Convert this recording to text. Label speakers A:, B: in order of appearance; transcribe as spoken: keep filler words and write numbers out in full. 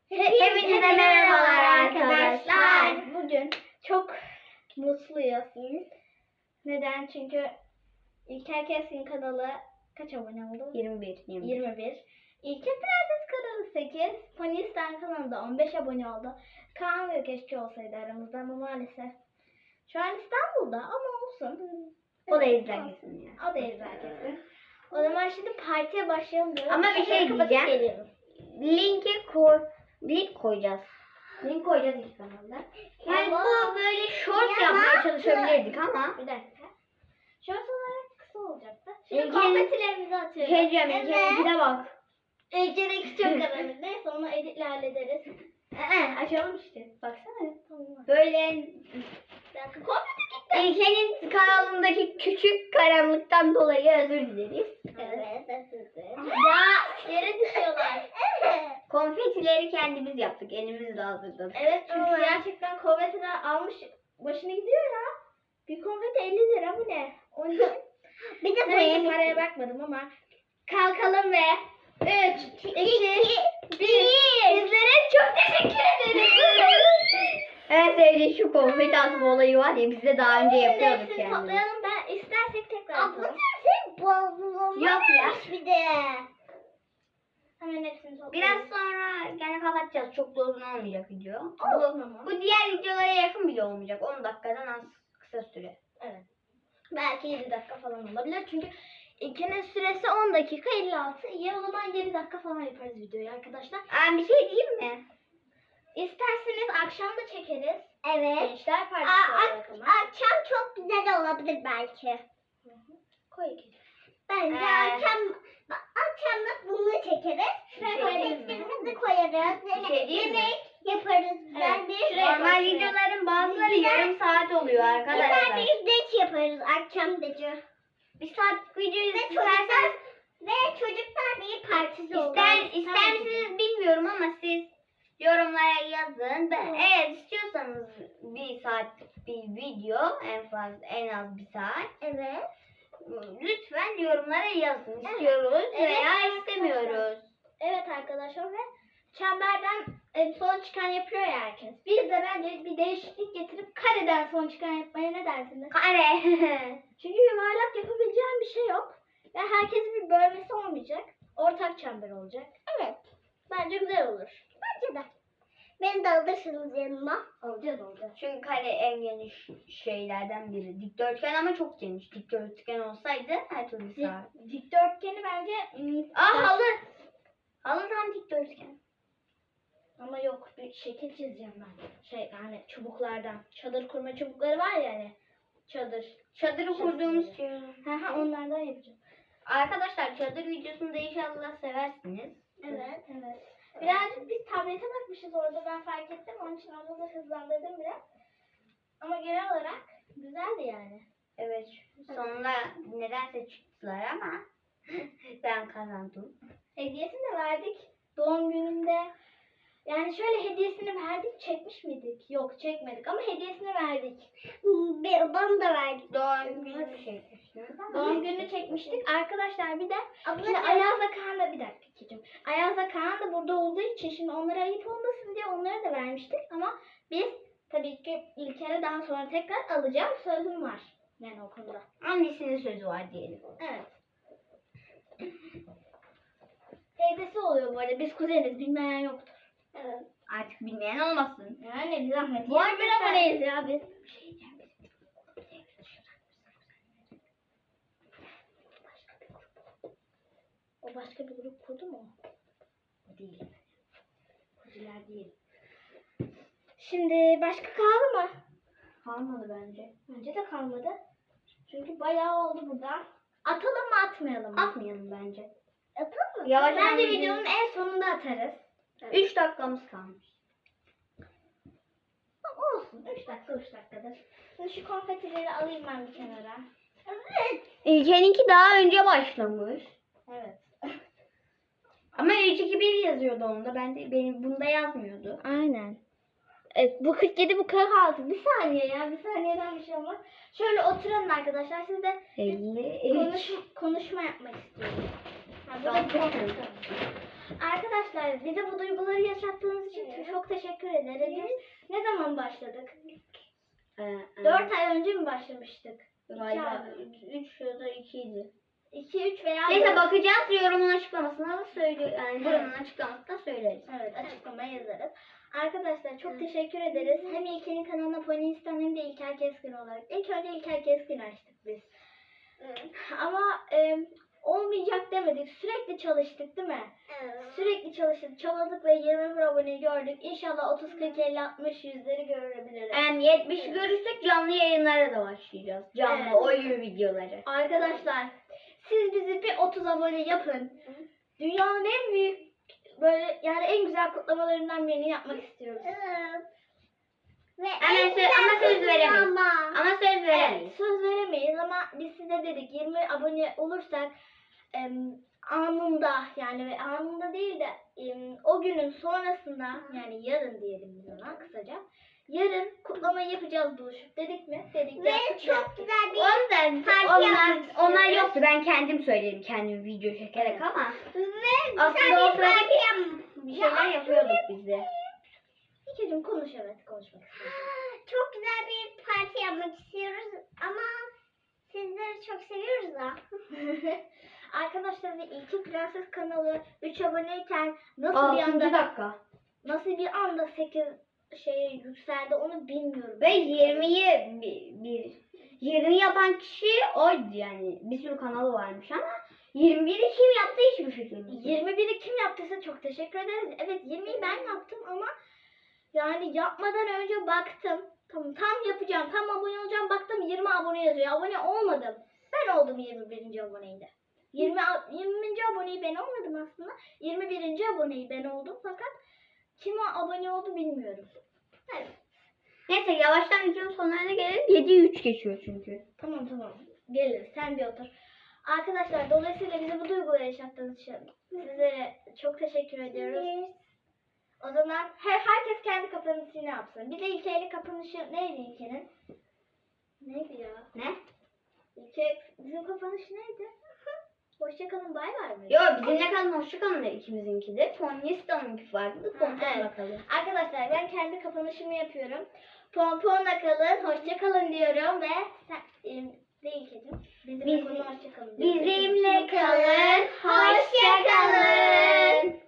A: Hepinize merhabalar arkadaşlar.
B: Bugün çok mutluyuz. Neden? Çünkü İlker Keskin kanalı kaç abone oldu?
A: yirmi bir.
B: yirmi bir. İlker Prenses kanalı sekiz. Panistan kanalında on beş abone oldu. Kaan ve keşke olsaydı aramızda ama maalesef. Şu an İstanbul'da ama olsun.
A: O da izler kesin ya.
B: O da izler kesin. O zaman şimdi partiye başlayalım diyorum.
A: Ama bir şey
B: Kapatıp
A: diyeceğim.
B: geliyorum.
A: Linki koy, link koyacağız. Link koyacağız ilk kanalda. Yani
B: Ama-
A: bu böyle short yapmaya çalışabilirdik ama.
B: Bir dakika. Şort olarak kısa olacaktı. Şimdi
A: İlker-
B: konfetilerimizi atıyoruz.
A: Şey diyeceğim, İlker'inkine bak.
B: İlker'inki çok önemli. Neyse onu editle hallederiz. Ee, açalım işte. Baksana. Tamam.
A: Böyle
B: Bir dakika. Konfeti gitti.
A: İlker'in kanalındaki küçük karanlıktan dolayı özür dileriz.
B: Evet. Evet.
A: Ya
B: Yere düşüyorlar.
A: konfetileri kendimiz yaptık. Elimizle hazırladık.
B: Evet çünkü gerçekten konfetiler almış başını gidiyor ya. Bir konfeti elli lira bu ne? Onun için
A: Bir de
B: neyse paraya bakmadım ama kalkalım ve üç, iki, bir. Sizlere çok teşekkür ederim.
A: En sevdiğim şu konfeti atma olayı var ya, biz de daha önce yapıyorduk
B: Hepsini
A: yani.
B: toplayalım ben istersek tekrar atalım.
A: sen bozulmuş. Yok ya.
B: Bir de. Hemen hepsini toplayalım.
A: Biraz sonra gene kapatacağız. Çok da uzun olmayacak video.
B: Olsun ama.
A: Bu diğer videolara yakın bile olmayacak. on dakikadan az kısa süre.
B: Evet. Belki yedi dakika falan olabilir. Çünkü ikinin süresi on dakika elli altı. İyi o zaman yedi dakika falan yaparız videoyu arkadaşlar.
A: Aa, bir şey diyeyim mi?
B: İsterseniz akşam da çekeriz.
A: Evet.
B: Gençler partisi olarak ama.
A: Akşam çok güzel olabilir belki.
B: Koy iki.
A: Bence
B: Ee,
A: akşam akşamlık bunu çekeriz.
B: Şuraya
A: Konfetlerimizi koyarız.
B: Bir şey diyeyim mi?
A: yaparız.
B: Ben de şuraya
A: Normal
B: koy, şuraya.
A: videoların bazıları yarım saat oluyor arkadaşlar.
B: Bir
A: geç yaparız akşam gece. Bir saat video izlerseniz
B: Ve çocuklar bir partisi olur.
A: İster, ister misiniz bilmiyorum ama siz yorumlara yazın. Ben, eğer istiyorsanız bir saat bir video, en fazla en az bir saat,
B: Evet.
A: lütfen yorumlara yazın. İstiyoruz
B: Evet,
A: veya
B: arkadaşlar.
A: istemiyoruz.
B: Evet arkadaşlar ve çemberden e, son çıkan yapıyor ya herkes. Biz de bence bir değişiklik getirip kareden son çıkan yapmaya ne dersiniz?
A: Kare.
B: Çünkü yuvarlak yapabileceğim bir şey yok. Ve herkesin bir bölmesi olmayacak. Ortak çember olacak.
A: Evet.
B: Bence güzel olur.
A: Bence de. Beni de alırsınız yanıma.
B: Olacağız olacağız.
A: Çünkü kare en geniş şeylerden biri. Dikdörtgen ama çok geniş. Dikdörtgen olsaydı her türlü sığar.
B: Dik, dikdörtgeni bence... ım,
A: Aa, halı. Halı tam dikdörtgen.
B: Ama yok bir şekil çizeceğim ben. Şey yani çubuklardan. Çadır kurma çubukları var ya hani. Çadır.
A: Çadırı kurduğumuz şey.
B: Ha ha onlardan yapacağım.
A: Arkadaşlar çadır videosunu da inşallah seversiniz.
B: Evet evet. Birazcık biz tablete bakmışız orada ben fark ettim. Onun için orada da hızlandırdım biraz. Ama genel olarak güzeldi yani.
A: Evet. Sonra nedense çıktılar ama ben kazandım.
B: Hediyesini de verdik. Doğum gününde. Yani şöyle hediyesini verdik. Çekmiş miydik? Yok çekmedik ama hediyesini verdik.
A: Bana da verdik. Doğum günü çekmiştiniz ama.
B: Doğum gününü çekmiştik. Arkadaşlar bir de
A: Abla
B: şimdi
A: sen-
B: Ayaz'la Kaan da bir dakika Kicim. Ayaz'la Kaan da burada olduğu için şimdi onlara ayıp olmasın diye onlara da vermiştik ama biz tabii ki İlker'e daha sonra tekrar alacağım sözüm var. Yani o konuda.
A: Annesinin sözü var diyelim.
B: Evet. Teyzesi oluyor bu arada. Biz kuzeniz. Bilmeyen yoktur. Evet.
A: Artık bilmeyen olmasın.
B: Yani bir zahmet.
A: Bu
B: yirmi bir
A: arada-
B: aboneyiz ya biz.
A: Bir şey diyeceğim.
B: O başka bir grup kurdu mu?
A: O değil.
B: Kuziler değil. Şimdi başka kaldı mı?
A: Kalmadı bence.
B: Bence de kalmadı. Çünkü bayağı oldu burada. Atalım mı atmayalım mı?
A: Atmayalım bence.
B: Atalım mı?
A: Yavaş
B: Bence
A: yavaş
B: videonun en sonunda atarız.
A: üç dakikamız kalmış.
B: Ama olsun. üç dakika üç dakikadır. Şimdi şu konfetileri alayım ben bir kenara. Evet.
A: İlkeninki daha önce başlamış.
B: Evet.
A: Ama üç iki bir yazıyordu onda. Ben de benim bunda yazmıyordu.
B: Aynen. Evet, bu kırk yedi bu kırk altı. Bir saniye ya. Bir saniyeden bir şey olmaz. Şöyle oturalım arkadaşlar. Siz de
A: elli
B: konuş, konuşma yapmak istiyorum. Ha, burada
A: Tamam.
B: bir- Arkadaşlar bize bu duyguları yaşattığınız için çok teşekkür ederiz. Ne zaman başladık? Dört ay önce mi başlamıştık?
A: Galiba üç ya da ikiydi.
B: iki, üç veya
A: Neyse
B: dört.
A: bakacağız, yorumun açıklamasına da söylüyor. Yani yorumun açıklamasında söyleriz.
B: Evet, açıklamaya yazarız. Arkadaşlar çok teşekkür ederiz. Hem İlker'in kanalına Ponistan hem de İlker Keskin olarak. İlk önce İlker Keskin açtık biz. Ama e, olmayacak demedik. Sürekli çalıştık değil mi? Sürekli çalıştık, çabaladık ve yirmi bir aboneyi gördük. İnşallah otuz, kırk, elli, altmış, yüzleri görebiliriz.
A: Yani yetmişi görürsek canlı yayınlara da başlayacağız. Canlı
B: Evet.
A: oyun videoları.
B: Arkadaşlar siz bizi bir otuz abone yapın. Dünyanın en büyük böyle yani en güzel kutlamalarından birini yapmak istiyoruz.
A: Ve ama, sö- ama söz veremeyiz.
B: Ama.
A: Ama söz veremeyiz.
B: Evet, söz veremeyiz ama biz size dedik yirmi abone olursak em, anında yani ve anında değil de em, o günün sonrasında yani yarın diyelim biz ona kısaca. Yarın kutlamayı yapacağız buluşup dedik mi? Dedik.
A: Ve
B: yaptık,
A: çok
B: yaptık.
A: güzel bir
B: Ondan-
A: parti
B: onlar-
A: yapmak onlar
B: istiyoruz.
A: yoktu. Ben kendim söyledim, kendim video çekerek ama
B: Ve
A: aslında o sırada bir şeyler yapıyorduk biz de.
B: İkicim konuş evet konuşmak istiyorum.
A: Çok güzel bir parti yapmak istiyoruz ama sizleri çok seviyoruz da.
B: Arkadaşlar ve İlki Prenses kanalı üç aboneyken nasıl bir
A: altıncı
B: anda
A: dakika.
B: nasıl bir anda sekiz şeye yükseldi onu bilmiyorum.
A: Ve yirmiyi bir, bir yirmi yapan kişi oydu yani. Bir sürü kanalı varmış ama yirmi biri kim yaptı hiçbir fikrim yok.
B: yirmi biri kim yaptıysa çok teşekkür ederiz. Evet yirmiyi ben yaptım ama yani yapmadan önce baktım. Tamam tam yapacağım. Tam abone olacağım. Baktım yirmi abone yazıyor. Abone olmadım. Ben oldum yirmi birinci aboneydi. yirmi yirminci aboneyi ben olmadım aslında. yirmi birinci aboneyi ben oldum fakat kime abone oldu bilmiyorum. Evet.
A: Neyse yavaştan videonun sonlarına gelelim. yedi üç geçiyor çünkü.
B: Tamam tamam. Gelir. Sen bir otur. Arkadaşlar dolayısıyla bize bu duyguları yaşattığınız için sizlere çok teşekkür ediyoruz. O zaman her, herkes kendi kapanışını yapsın. Bir de İlker'in kapanışı neydi İlker'in? Neydi ya?
A: Ne?
B: İlker, bizim kapanış neydi? Hoşçakalın bay bay mı?
A: Yo bizimle kalın hoşçakalın da ikimizinki de. Ponyista'nınki farklı. Pompon
B: evet.
A: bakalım.
B: Arkadaşlar ben kendi kapanışımı yapıyorum. Pomponla kalın, hoşçakalın diyorum ve sen, e, değil kedim. Bizimle
A: Biz-
B: kalın, hoşçakalın diyorum.
A: Bizimle kalın. Hoşçakalın.